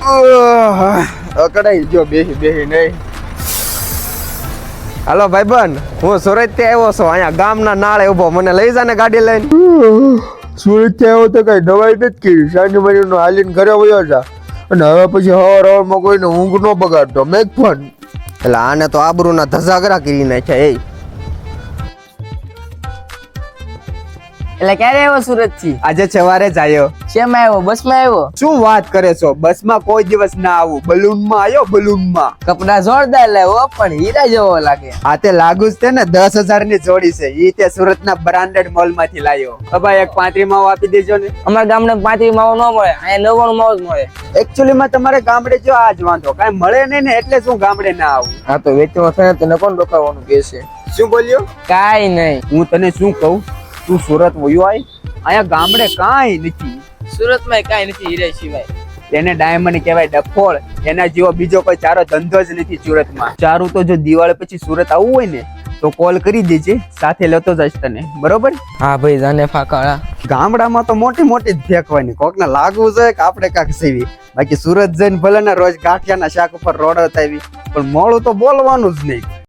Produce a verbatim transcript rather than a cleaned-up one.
અકડાઈ જો બેહી બેહી નહીં. હાલો ભાઈબંધ, હું સુરત થી આવ્યો છું. અહીંયા ગામના નાળે ઉભો, મને લઈ જા ને ગાડી લઈને. સુરત થી આવ્યો તો કઈ દવાઈ નથી કરી, સાંજે મહિનો હાલીને ઘરે વયો જા. અને હવે પછી હવાર હવારમાં કોઈને ઊંઘ નો બગાડતો મેં પણ. એટલે આને તો આબરૂના ધજાગરા કરી નાખ્યા. એ એટલે ક્યારે આવ્યો સુરત થી? આજે સવારે જ આવ્યો. શેમાં આવ્યો? બસ માં આવ્યો? શું વાત કરે છો? બસ માં કોઈ દિવસ ના આવું, બલૂન માં આવ્યો. બલૂન માં કપડા જોરદાર લાવ્યો, પણ હીરા જેવો લાગે. આ તે લાગુ જ છે ને, દસ હજાર ની જોડી છે. ઈ તે સુરત ના બ્રાન્ડેડ મોલ માંથી લાવ્યો. ભાઈ એક પાંત્રી માવો આપી દેજો ને. અમારા ગામડે પાંત્રી માવો ન મળે, અહીંયા નવ્વાણું માવો જ મળે. એકચ્યુઅલી માં તમારે ગામડે જો આજ વાંધો કઈ મળે નહીં ને, એટલે શું ગામડે ના આવું. હા તો વેચવા થાય તને કોણ રોકાવાનું કે છે? શું બોલ્યો? કાઈ નહીં. હું તને શું કહું, તું સુરત વયો આય. અહીંયા ગામડે કાંઈ નથી. સુરતમાં કાઈ નથી હીરા સિવાય. તેને ડાયમંડ કહેવાય, ડફોળ. એના જેવો બીજો કોઈ ચારો ધંધો જ નથી સુરતમાં. ચારું તો જો દિવાળી પછી સુરત આવવું હોય ને તો કોલ કરી દેજે, સાથે લેતો જઈશ તને. બરોબર? હા ભાઈ, જાને ફાકાળા. ગામડામાં તો મોટી મોટી જ ફેંકવાની, કોકને લાગવું જોઈએ કે આપણે કાંક સેવી. બાકી સુરત જઈને ભલે ને રોજ ગાંઠિયાના શાક ઉપર રોડ આવી, પણ મોડું તો બોલવાનું જ નહીં.